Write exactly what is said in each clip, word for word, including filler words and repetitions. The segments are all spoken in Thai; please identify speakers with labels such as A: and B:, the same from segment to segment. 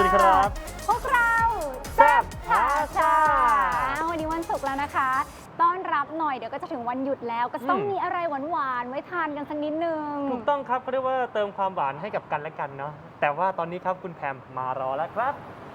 A: ดีครับ
B: พวกเราแซ่บพาชาวันนี้วันศุกร์แล้วนะคะต้อนรับหน่อยเดี๋ยวก็จะถึงวันหยุดแล้วก็ต้องมีอะไรหวานๆไว้ทานกันสักนิดนึง
A: ถูกต้องครับเขาเรียกว่าเติมความหวานให้กับกันและกันเนาะแต่ว่าตอนนี้ครับคุณแพมมารอแล้วครับ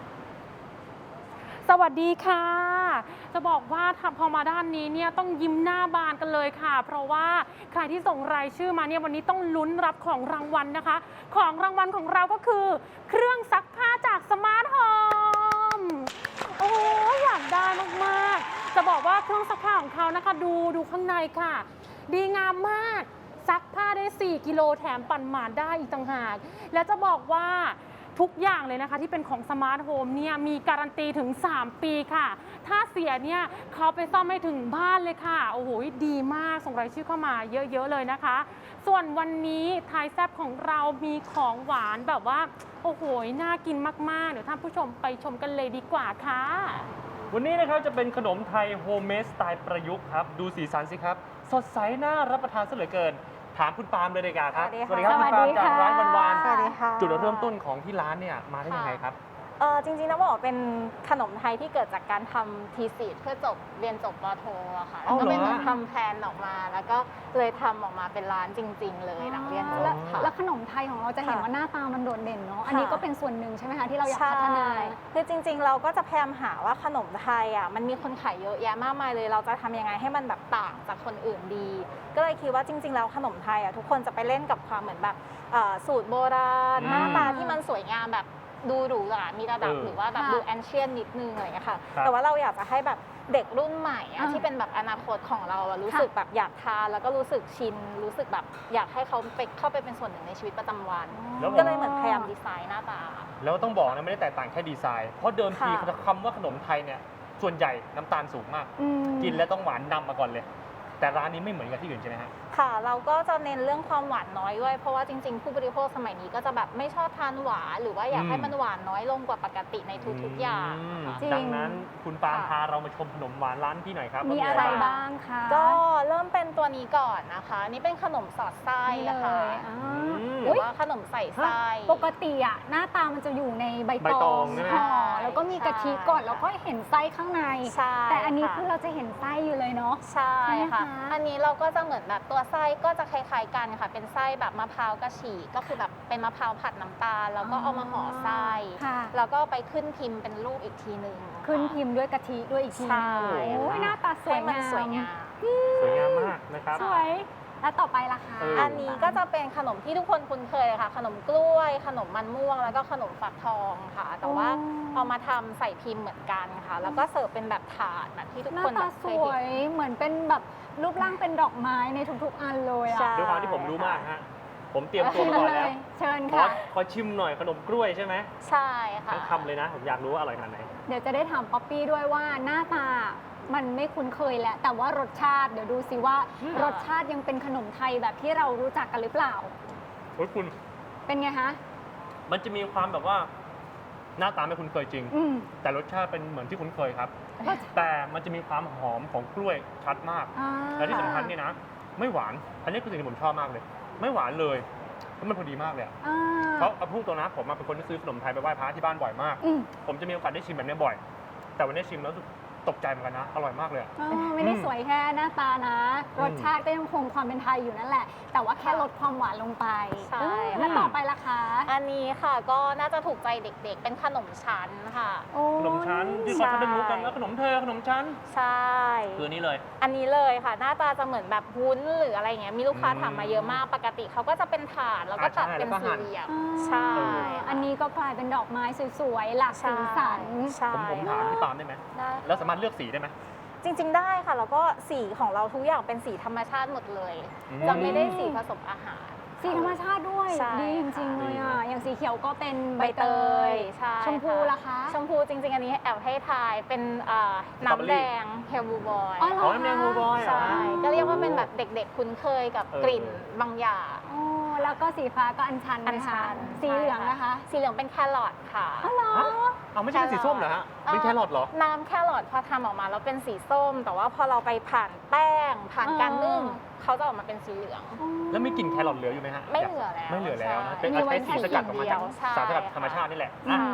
C: สวัสดีค่ะจะบอกว่าพอมาด้านนี้เนี่ยต้องยิ้มหน้าบานกันเลยค่ะเพราะว่าใครที่ส่งรายชื่อมาเนี่ยวันนี้ต้องลุ้นรับของรางวัลนะคะของรางวัลของเราก็คือเครื่องซักผ้าจากสมาร์ทโฮมโอ้อยากได้มากๆจะบอกว่าเครื่องซักผ้าของเขานะคะดูดูข้างในค่ะดีงามมากซักผ้าได้สี่กิโลแถมปั่นหมาดได้อีกต่างหากและจะบอกว่าทุกอย่างเลยนะคะที่เป็นของสมาร์ทโฮมเนี่ยมีการันตีถึงสามปีค่ะถ้าเสียเนี่ยเขาไปซ่อมให้ถึงบ้านเลยค่ะโอ้โหดีมากส่งรายชื่อเข้ามาเยอะๆเลยนะคะส่วนวันนี้ไทยแซ่บของเรามีของหวานแบบว่าโอ้โหน่ากินมากๆเดี๋ยวท่านผู้ชมไปชมกันเลยดีกว่าค่ะ
A: วันนี้นะครับจะเป็นขนมไทยโฮมเมดสไตล์ประยุกต์ครับดูสีสันสิครับสดใสน่ารับประทานซะเหลือเกินถามคุณปาล์มเลยดีกว่าครับ
B: สวัสดี
A: ครับคุณปาล์มจากร้านวันวาน
B: สวัสดีค่ะ
A: จุดเริ่มต้นของที่ร้านเนี่ยมาได้ยังไงครับ
D: เออจริงๆต้องบอกว่าเป็นขนมไทยที่เกิดจากการทำทีสิทธ์เพื่อจบเรียนจบปโทอะค่ะแล้วก็เป็นทำแพลนออกมา แล้วก็เลยทำออกมาเป็นร้านจริง ๆ เลยหลังเรียนจบค่ะ
B: แล้วขนมไทยของเราจะเห็นว่าหน้าตามันโดดเด่นเนาะอันนี้ก็เป็นส่วนหนึ่งใช่ไหมคะที่เราอยากพัฒนา
D: คือจริงๆเราก็จะพยายามหาว่าขนมไทยอ่ะมันมีคนขายเยอะแยะมากมายเลยเราจะทำยังไงให้มันแบบต่างจากคนอื่นดีก็เลยคิดว่าจริงๆแล้วขนมไทยอ่ะทุกคนจะไปเล่นกับความเหมือนแบบสูตรโบราณหน้าตาที่มันสวยงามแบบดูหรูหรามีระดับหรือว่าแบบดูแอนเชียนนิดนึงอะไรอย่างเงี้ยค่ะแต่ว่าเราอยากจะให้แบบเด็กรุ่นใหม่ที่เป็นแบบอนาคตของเรารู้สึกแบบอยากทานแล้วก็รู้สึกชินรู้สึกแบบอยากให้เขาไปเข้าไปเป็นส่วนหนึ่งในชีวิตประจำวันก็เลยเหมือนพยายามดีไซน์หน้าตา
A: แล้วต้องบอกนะไม่ได้แตกต่างแค่ดีไซน์เพราะเดิมทีคำว่าขนมไทยเนี่ยส่วนใหญ่น้ำตาลสูงมากกินแล้วต้องหวานนำมาก่อนเลยแต่ร้านนี้ไม่เหมือนกับที่อื่นใช่ไหมฮะ
D: ค่ะเราก็จะเน้นเรื่องความหวานน้อยด้วยเพราะว่าจริงๆผู้บริโภคสมัยนี้ก็จะแบบไม่ชอบทานหวานหรือว่าอยากให้มันหวานน้อยลงกว่าปกติในทุกๆอย่าง
A: ดังนั้นคุณปาล์มพาเรามาชมขนมหวานร้านพี่หน่อยครับ
B: มีอะไรบ้างคะ
D: ก็เริ่มเป็นตัวนี้ก่อนนะคะนี่เป็นขนมสอดไส้นะคะหรือว่าขนมใส่ไส้
B: ปกติอะหน้าตามันจะอยู่ในใบตองห่อแล้วก็มีกะทิก่อนแล้วก็เห็นไส้ข้างในแต่อันนี้คือเราจะเห็นไส้อยู่เลยเนาะ
D: ใช่ค่ะอันนี้เราก็จะเหมือนแบบตัวไส้ก็จะคล้ายๆกันค่ะเป็นไส้แบบมะพร้าวกระฉีกก็คือแบบเป็นมะพร้าวผัดน้ำตาลแล้วก็เอามาห่อไส้แล้วก็ไปขึ้นพิมพ์เป็นรูปอีกทีหนึ่ง
B: ขึ้นพิมพ์ด้วยกะทิด้วยอีกที
D: ใช่
B: หน้าตาสวยงาม
D: สวยงาม
A: สวยงามมากนะครับ
B: สวยแล้วต่อไปล่ะคะ
D: อันนี้ก็จะเป็นขนมที่ทุกคนคุ้นเคยเลยค่ะขนมกล้วยขนมมันม่วงแล้วก็ขนมฝักทองค่ะแต่ว่าเอามาทำใส่พิมพ์เหมือนกันค่ะแล้วก็เสิร์ฟเป็นแบบถาดแบบที่ทุกคน
B: หน้าตาสวยเหมือนเป็นแบบรูปร่างเป็นดอกไม้ในทุกๆอันเลยอ่ะ
A: ด้วยความที่ผมรู้มากฮะผมเตรียมตัวมาก่อนแล้ว
B: เชิญค่ะ
A: ขอชิมหน่อยขนมกล้วยใช่ไหม
D: ใช่ค่ะ
A: ทั้งคำเลยนะผมอยากรู้ว่าอร่อยขนาดไหน
B: เดี๋ยวจะได้ถามป๊อปปี้ด้วยว่าหน้าตามันไม่คุ้นเคยแล้วแต่ว่ารสชาติเดี๋ยวดูสิว่ารสชาติยังเป็นขนมไทยแบบที่เรารู้จักกันหรือเปล่า
A: โอ้ยคุณ
B: เป็นไงคะ
A: มันจะมีความแบบว่าหน้าตาไม่คุ้นเคยจริงแต่รสชาติเป็นเหมือนที่คุ้นเคยครับแต่มันจะมีความหอมของกล้วยชัดมากและที่สำคัญนี่นะไม่หวานอันนี้คือสิ่งที่ผมชอบมากเลยไม่หวานเลยแล้วมันพอดีมากเลยเพราะเอาพูดตรงนะผมเป็นคนที่ซื้อขนมไทยไปไหว้พระที่บ้านบ่อยมากผมจะมีโอกาสได้ชิมแบบนี้บ่อยแต่วันนี้ชิมแล้วตกใจเหมือนกันนะอร่อยมากเลย
B: ไม่ได้สวยแค่หน้าตานะรสชาติก็ยังคงความเป็นไทยอยู่นั่นแหละแต่ว่าแค่ลดความหวานลงไป
D: ใช่
B: แล้วต่อไปล่ะคะ
D: อันนี้ค่ะก็น่าจะถูกใจเด็กๆเป็นขนมชั้นค่ะ
A: ขนมชั้นที่เขาจะรู้กันแล้วขนมเธอขนมชั้น
D: ใช่
A: คือนี้เลย
D: อันนี้เลยค่ะหน้าตาจะเหมือนแบบวุ้นหรืออะไรเงี้ยมีลูกค้าถามมาเยอะมากปกติเขาก็จะเป็นถาดแล้วก็ตัดเป็นสี่เหลี่ยม
B: ใช่อันนี้ก็กลายเป็นดอกไม้สวยๆหลากสีสัน
A: ผมผมถามพี่ปาล์มได้ไหมแล้วสามารถเลือกสีได้ไหม
D: จริงๆได้ค่ะแล้วก็สีของเราทุกอย่างเป็นสีธรรมชาติหมดเลยจะไม่ได้สีผสมอาหาร
B: สีธรรมชาติด้วยดีจริงๆเลยอ่ะอย่างสีเขียวก็เป็นใบเตยชมพูล่ะคะ
D: ชมพูจริงๆอันนี้แอบให้ทายเป็นน้ำแดงเฮลบูบอย
A: อ๋อน้ำแดงเฮลบูบอย
D: ใช่ก็เรียกว่าเป็นแบบเด็กๆคุ้นเคยกับกลิ่นบางอย่าง
B: แล้วก็สีฟ้าก็อัญชัน
D: อัญชัน
B: สีเหลืองนะคะ
D: สีเหลืองเป็นแครอทค่ะ
B: อ๋อเหรอ
A: เอาไม่ใช่สีส้มเหรอฮะเป็นแครอทเหรอ
D: น้ำแครอทพอทำออกมาแล้วเป็นสีส้มแต่ว่าพอเราไปผ่านแป้งผ่านการนึ่งเขาจะออกมาเป็นสีเหลือง
A: แล้วมีกลิ่นแครอทเหลืออยู่ไหมฮะ
D: ไม่เหลือแล้ว
A: ไม่เหลือแล้วนะเป็นใช้สีสกัดออกมาจากสารสกัดธรรมชาตินี่แหละ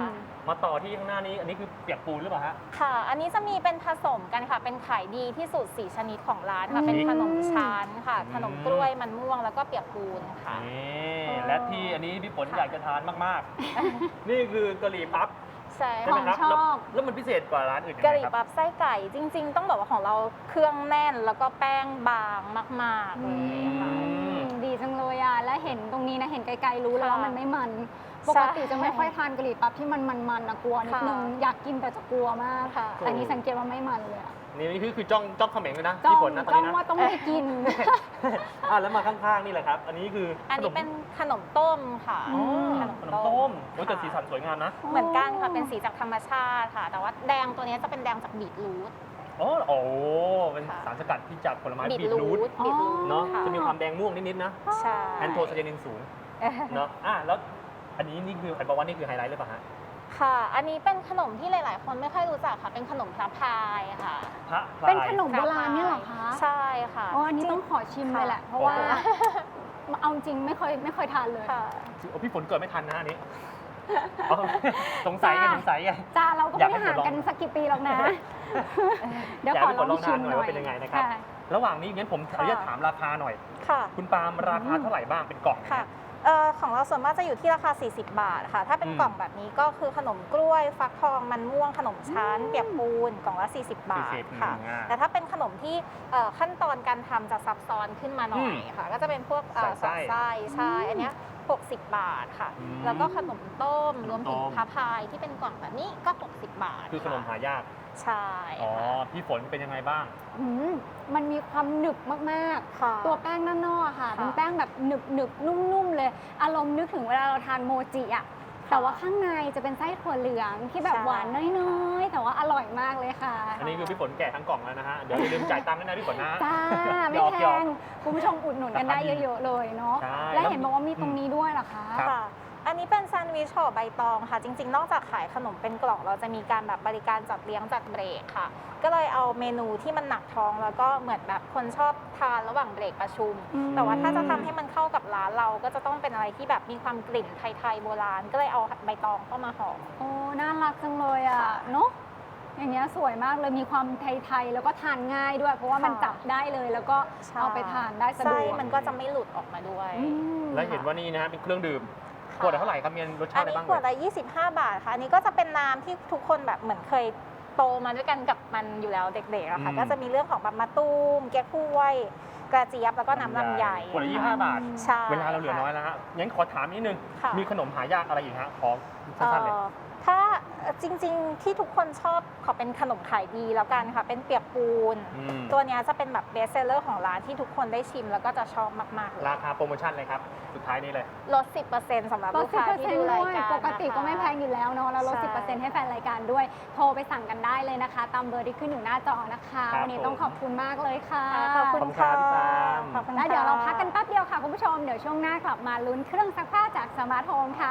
A: มาต่อที่ข้างหน้านี้อันนี้คือเปียกปูนหรือเปล่าฮะ
D: ค่ะ อันนี้จะมีเป็นผสมกันค่ะ เป็นขายดีที่สุดสี่ชนิดของร้านค่ะ
B: อืม
D: เป็นขนมชั้นค่ะ
A: อืม
D: ขนมกล้วยมันม่วงแล้วก็เปียกปูนค่ะ
A: นี่และที่อันนี้พี่ฝนอยากจะทานมากๆ นี่คือกะหรี่ปั๊บ
D: ใช่
A: ใช่ไหมครับ
B: ของชอบ
A: แล้วแล้วมันพิเศษกว่าร้านอื่นยัง
D: กะห
A: ไง
D: รี่
A: ครับ
D: ปั๊บไส้ไก่จริง ๆ ต้องบอกว่าของเราเครื่องแน่นแล้วก็แป้งบางมากๆเลยค่ะ
A: อืม
B: ดีจังเลยอ่ะ และเห็นตรงนี้นะ เห็นไกลๆรู้แล้วว่า
D: ค่ะ
B: มันไม่มัน ป
D: ใช่
B: กติจะไม่ค่อยทานกะหรี่ปั๊บที่มันมันๆนะกลัวนิดนึง
D: ค่ะ
B: อยากกินแต่จะกลัวมาก
D: ค่ะ
B: แต่อันนี้สังเกตว่าไม่มันเลยอะ
A: นี่นี่คือคือจ้องจ้องเขม็งเลยนะ
B: จ้อ
A: พี่
B: ง
A: ฝนนะตอน
B: จ้อง
A: นี้นะ
B: ว่าต้องไม่กิน
A: อ่ะแล้วมาข้างๆนี่แหละครับ อันนี้คือ
D: อัน
A: ขน
D: นี้
A: ม
D: เป็นขนมต้มค่ะ
A: อ๋อ
B: ม
A: ขนมต้มโอ้ยแต่
D: ค่ะ
A: สีสันสวยงามนะ
D: เหมือนกันค่ะเป็นสีจากธรรมชาติค่ะ แต่ว่าแดงตัวนี้จะเป็นแดงจากบีทรูท
A: อ๋อโอ้เป็น
D: ค่ะ
A: สารสกัดที่จากผลไม้
D: บีท
A: บีท
D: รู
A: รูท
D: ทบีทรูท
A: เนาะ
D: ค่
A: จะมีความแดงม่วงนิดๆนะ
D: ใช่
A: แอนโทไซยานินสูงเนาะอ่ะแล้วอันนี้นี่คือไอ้บอกว่านี่คือไฮไลท์หรือเปล่าฮะ
D: ค่ะ อันนี้เป็นขนมที่หลาย ๆ คนไม่ค่อยรู้จักค่ะ เป็นขนมพระพายค่ะ
A: พระพลาย
B: เป็นขนมโบราณเนี่ยเหรอคะ
D: ใช่ค่ะ
B: อ๋ออันนี้ต้องขอชิมเลยแหละ เพราะว่า
A: โอ้โห
B: เอาจริงไม่เคยไม่เคยทานเลย
D: ค่ะ
A: โอ้พี่ฝนเกิดไม่ทันนะอันนี้อ๋อสงสัยไง
B: จ้า
A: สงสัยไง
B: จ้าเราก็
A: อยาก
B: ไม่
A: ให้
B: ได้ห่าง
A: ลอง
B: กันสักกี่ปีหรอกนะ เดี๋ยว
A: อยาก
B: ขอ
A: ให้
B: ล
A: ฝ
B: อน ง
A: ลอง
B: ชิ
A: ทาน
B: ม
A: หน่
B: ห
A: อย
B: น่อ
A: ว่าย เป็นยังไงนะครับ
B: ค่ะ
A: ระหว่างนี้งั้นผมขออนุญาตถามราคาหน่อย
D: ค่ะ
A: คุณปาล์มราคาเท่าไหร่บ้างเป็นกล่อง
D: ค่ะเอ่อของเราส่วนมากจะอยู่ที่ราคา สี่สิบ บาทค่ะ ถ้าเป็น
A: อืม
D: กล่องแบบนี้ก็คือขนมกล้วย ฟักทอง มันม่วง ขนมชั้น เปียกปูน กล่องละ สี่สิบ บาท
A: สี่สิบ
D: ค่ะ
A: อืมอ่า
D: แต่ถ้าเป็นขนมที่เอ่อขั้นตอนการทำจะซับซ้อนขึ้นมาหน่อยค่ะ ก็จะเป็นพวกเอ่อ
A: ใส่ไส้
D: ใส่ไส้ ใช่ อันเนี้ยหกสิบ บาทค่ะ
A: อืม
D: แล้วก็ขนมต้ม รวมถึง
A: ต้ม
D: พาพายที่เป็นกล่องแบบนี้ก็ หกสิบ บาท
A: คือขนมหายาก
D: ใช่
A: อ๋อ
D: ค่ะ
A: พี่ฝนเป็นยังไงบ้าง
B: อืมมันมีความหนึบมาก
D: ค่ะ
B: ๆ ตัวแป้งด้านนอกอะค่ะ
D: ค่ะ
B: เป็นแป้งแบบหนึบหนึบๆนุ่มๆเลย อารมณ์นึกถึงเวลาเราทานโมจิอะแต่ว่าข้างในจะเป็นไส้ถั่วเหลืองที่แบบ
D: ใช่
B: หวานน้อยๆ แต่ว่าอร่อยมากเลยค่ะ
A: อันนี้คือพี่ฝนแกะทั้งกล่องแล้วนะฮะ เดี๋ยวอย่าลืมจ่ายตังค์ด้วยนะพี่ฝนนะ
B: จ้า ไม่
A: หยอก
B: แพ
A: หยอก
B: งคุณผู้ชมอุดหนุนกันได้เยอะๆเลยเนาะ
A: ใช่
B: และเห็นบอกว่ามีตรงนี้ด้วยเหรอคะ
A: ครับ
D: ค่ะ อันนี้เป็นแซนด์วิชห่อใบตองค่ะ จริง ๆ นอกจากขายขนมเป็นกล่องเราจะมีการแบบบริการจัดเลี้ยงจัดเบรกค่ะ ก็เลยเอาเมนูที่มันหนักท้องแล้วก็เหมือนแบบคนชอบทานระหว่างเบรกประชุม
B: อืม
D: แต่ว่าถ้าจะทำให้มันเข้ากับร้านเราก็จะต้องเป็นอะไรที่แบบมีความกลิ่นไทยๆโบราณ ก็เลยเอาใบตองเข้ามาห่อ
B: โอ้ น่ารักจังเลยอ่ะ เนาะอย่างเงี้ยสวยมากเลย มีความไทยๆ แล้วก็ทานง่ายด้วย เพราะว่ามัน
D: ค่ะ
B: จับได้เลย แล้วก็เอาไปทานได้สะด
D: ไส้
B: วก
D: มันก็จะไม่หลุดออกมาด้วย
B: อืม
A: แล้วเห็นว่านี่นะฮะเป็นเครื่องดื่มขวดละเท่าไหร่ครับมีรสชา
D: อั
A: ติ
D: น
A: อะไร
D: นี้
A: บ้าง
D: ขวด
A: เลย
D: ละยี่สิบห้า บาทค่ะ อันนี้ก็จะเป็นน้ำที่ทุกคนแบบเหมือนเคยโตมาด้วยกันกับมันอยู่แล้วเด็กๆอะค่ะ
A: อืม
D: ก็จะมีเรื่องของแบบมะตูมเก๊กฮวยกระเจี๊ยบแล้วก็น้ำลำไย
A: ขวดละยี่สิบห้าบาท
D: ใช่
A: เวลาเราเหลือน้อยแล้วฮะ งั้นขอถามนิดนึง
D: ค่ะ
A: มีขนมหายากอะไรอีกฮะ ขอ
D: เอ่
A: สั้นๆเลย
D: อถ้าจริงๆที่ทุกคนชอบขอเป็นขนมขายดีแล้วกันค่ะ เป็นเปียกปูน
A: อืม
D: ตัวเนี้ยจะเป็นแบบเบสเซลเลอร์ของร้านที่ทุกคนได้ชิมแล้วก็จะชอบมากๆเลย
A: ราคาโปรโมชั่นเลยครับ สุดท้ายนี้เลย
D: ลด สิบเปอร์เซ็นต์ สำหรับ
B: ล
D: ลู
B: ด
D: ก
B: สิบ
D: ค้า
B: เปอร์
D: ที่
B: เซ็น
D: ดู
B: ต์
D: รา
B: ด้วย
D: ยการ
B: ปกติก็ไม่แพง
D: นะคะ
B: อยู่แล้วเนาะ แล้วลด
D: ใช่
B: สิบเปอร์เซ็นต์ให้แฟนรายการด้วย โทรไปสั่งกันได้เลยนะคะ ตามเบอร์ที่ขึ้นอยู่หน้าจอนะคะ
A: ครับ
B: วันนี้ต้องขอบคุณมากเลยค่ะ
D: ขอบคุณ
A: ขอบคุณครับพี่ปาล์ม
D: ขอบคุณ
B: แล้วเดี๋ยวเราพักกัน
D: ค่ะ
B: แป๊บเดียวค่ะคุณผู้ชม เดี๋ยวช่วงหน้ากลับมาลุ้นเครื่องซักผ้าจากสมาร์ทโฮมค่ะ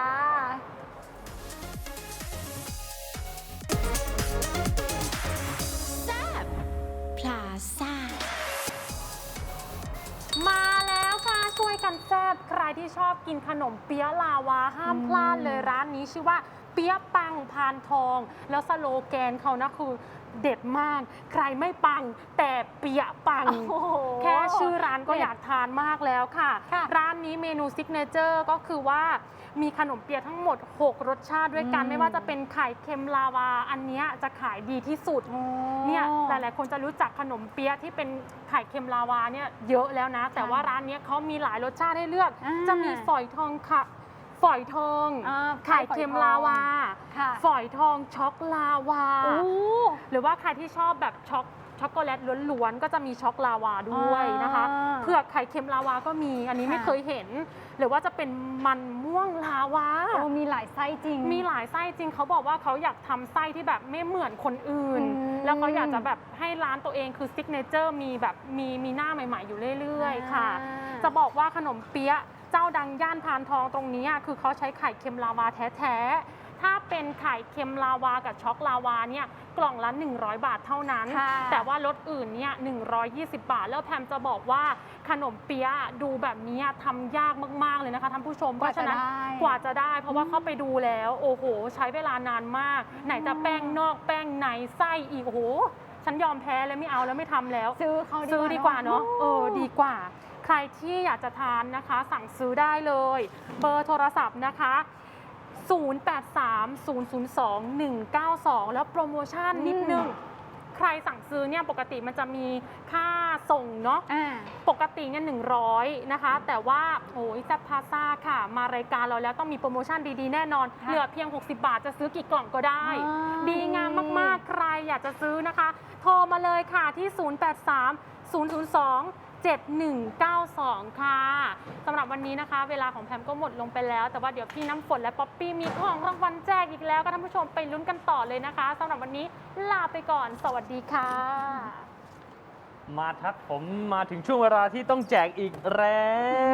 E: พลาซ่า
C: มาแล้วค่ะช่วยกันแซ่บใครที่ชอบกินขนมเปี๊ยะลาวาห้ามพลาดเลยร้านนี้ชื่อว่าเปี๊ยะปังพานทอง แล้วสโลแกนเขานะคือเด็ดมาก ใครไม่ปังแต่เปี๊ยะปัง
B: โอ้โห
C: แค่ชื่อร้านก็
B: เด็ด
C: อยากทานมากแล้วค่ะ
B: ค่ะ
C: ร้านนี้เมนูซิกเนเจอร์ก็คือว่ามีขนมเปี๊ยะทั้งหมด หก รสชาติด้วยกัน
B: อืม
C: ไม่ว่าจะเป็นไข่เค็มลาวา อันเนี้ยจะขายดีที่สุด เนี่ยหลายๆคนจะรู้จักขนมเปี๊ยะที่เป็นไข่เค็มลาวาเนี่ยเยอะแล้วนะ แต่ว่าร้านเนี้ยเขามีหลายรสชาติให้เลือก
B: อ่า
C: จะมีฝอยทองค่ะ ฝอยทอง
B: อ่า
C: ไข่เค็มลาวา
B: ค่ะ
C: ฝอยทองช็อกลาวา
B: โอ้
C: หรือว่าใครที่ชอบแบบช็อกช็อกโกแลตล้วนๆก็จะมีช็อกลาวาด้วยนะคะ
B: อ่า
C: เผือกไข่เค็มลาวาก็มีอันนี้
B: ค่ะ
C: ไม่เคยเห็น หรือว่าจะเป็นมันม่วงลาวา
B: โอ้มีหลายไส้จริง
C: มีหลายไส้จริงเขาบอกว่าเขาอยากทำไส้ที่แบบไม่เหมือนคนอื่น
B: อืม
C: แล้วเขาอยากจะแบบให้ร้านตัวเองคือซิกเนเจอร์มีแบบมีมีหน้าใหม่ๆอยู่เรื่อยๆ ค่ะ
B: อ่า
C: จะบอกว่าขนมเปี๊ยะเจ้าดังย่านพานทองตรงนี้อะคือเขาใช้ไข่เค็มลาวาแท้ๆถ้าเป็นไข่เค็มลาวากับช็อกลาวาเนี่ยกล่องละหนึ่งร้อยบาทเท่านั้น
B: ค่ะ
C: แต่ว่ารสอื่นเนี่ยหนึ่งร้อยยี่สิบบาท แล้วแพมจะบอกว่าขนมเปี๊ยะดูแบบนี้ทำยากมากๆเลยนะคะท่านผู้ชมเพราะฉะนั้นกว่าจะได้ เพราะว่าเข้าไปดูแล้วโอ้โหใช้เวลานานมาก ไหนจะแป้งนอกแป้งในไส้อีกโอ้โหฉันยอมแพ้แล้วไม่เอาแล้วไม่ทำแล้ว
B: ซื้อเขา
C: ซื้อดีกว่าเนาะเออดีกว่า ใครที่อยากจะทานนะคะ สั่งซื้อได้เลย เบอร์โทรศัพท์นะคะ ศูนย์ แปด สาม ศูนย์ ศูนย์ สอง หนึ่ง เก้า สอง แล้วโปรโมชั่นนิดนึง ใครสั่งซื้อเนี่ยปกติมันจะมีค่าส่งเนาะ
B: อ่า
C: ปกติเนี่ยหนึ่งร้อยนะคะ แต่ว่าโอ้ยแซ่บพาซ่าค่ะ มารายการเราแล้วต้องมีโปรโมชั่นดีๆ แน่นอน
B: ค่ะ
C: เหลือเพียง หกสิบบาทจะซื้อกี่กล่องก็ได้
B: อ๋อ
C: ดีงามมากๆ ใครอยากจะซื้อนะคะ โทรมาเลยค่ะที่ ศูนย์ แปด สาม ศูนย์ ศูนย์ สอง เจ็ด หนึ่ง เก้า สอง ค่ะสำหรับวันนี้นะคะ เวลาของแพมก็หมดลงไปแล้ว แต่ว่าเดี๋ยวพี่น้ำฝนและป๊อปปี้มีของรางวัลแจกอีกแล้วก็ท่านผู้ชมไปลุ้นกันต่อเลยนะคะสำหรับวันนี้ลาไปก่อน สวัสดีค่ะ
A: มาทักผมมาถึงช่วงเวลาที่ต้องแจกอีกแล้ว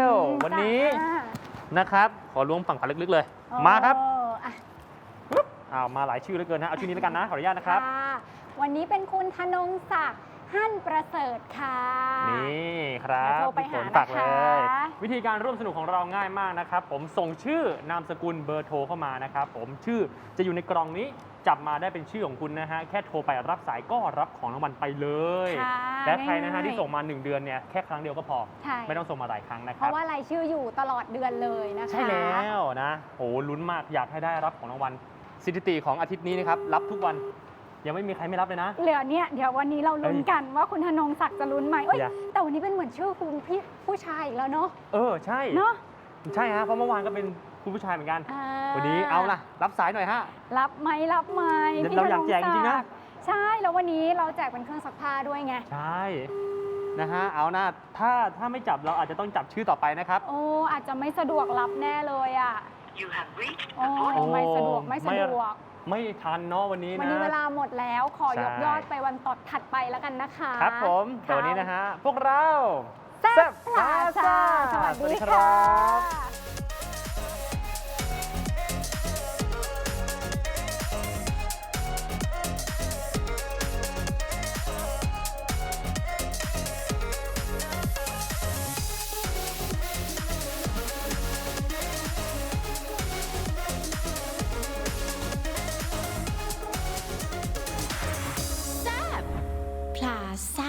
A: วันนี้
B: จ้า
A: นะครับ ขอล้วงฝั่งขาลึกๆเลย
B: โอ้
A: มาครับ
B: อ่ะ
A: อ้าวมาหลายชื่อเหลือเกินนะเอาชื่อนี้แล้วกันนะขออนุญาตนะครับ
B: ค่ะวันนี้เป็นคุณธนงศักดิ์หั่นประเสริฐค่ะ
A: นี่ครับ
B: เดี๋ยวโทรไป
A: พี่ฝน
B: หา
A: ฝากเลย
B: นะคะ
A: วิธีการร่วมสนุกของเราง่ายมากนะครับ ผมส่งชื่อนามสกุลเบอร์โทรเข้ามานะครับ ผมชื่อจะอยู่ในกล่องนี้จับมาได้เป็นชื่อของคุณนะฮะแค่โทรไปรับสายก็รับของรางวัลไปเลย
B: ค่ะ
A: และใครนะฮะ
B: ง่ายๆ
A: ที่ส่งมาหนึ่งเดือนเนี่ยแค่ครั้งเดียวก็พอ
B: ใช่
A: ไม่ต้องส่งมาหลายครั้งนะค
B: เพ
A: รับ
B: ราะว่ารายชื่ออยู่ตลอดเดือนเลยนะคะ
A: ใช่แล้วนะโหลุ้นมากอยากให้ได้รับของรางวัลสถิติของอาทิตย์นี้นะครับรับทุกวันยังไม่มีใครไม่รับเลยนะ
B: เหลือเนี่ยเดี๋ยววันนี้เราลุ้น
A: เอ้ย
B: กันว่าคุณธนงศักดิ์จะลุ้นไหมเอ้ย
A: อย่า
B: แต่วันนี้เป็นเหมือนชื่อคุณพี่ผู้ชายอีกแล้วเนาะ
A: เออใช่
B: เนาะ
A: ใช่ฮะเพราะเมื่อวานก็เป็นคุณผู้ชายเหมือนกัน
B: อ่า
A: วันนี้เอาล่ะรับสายหน่อยฮะ
B: รับไหมรับไหม
A: เดี๋ยว
B: พี่
A: เราอยากแจกจริงๆนะ
B: ธศัดิ์ใช่แล้ววันนี้เราแจกเป็นเครื่องซักผ้าด้วยไง
A: ใช่นะฮะเอานะถ้าถ้าไม่จับเราอาจจะต้องจับชื่อต่อไปนะครับ
B: โอ้อาจจะไม่สะดวกรับแน่เลยอ่ะ
F: You have reached
B: โอ้
F: the
A: โอ้
B: ไม่สะดวกไม่สะดวก
A: ไม่ทันเนาะวันนี้
B: วัน
A: นะ
B: นี้เวลาหมดแล้วขอยก
A: ใช่
B: ยอดไปวันต่อถัดไปแล้วกันนะคะ
A: ครับผมแต่วันนี้นะฮะพวกเรา
B: แซ่บพลาซ่าสวัสดีค่ะ
E: พลาซ่า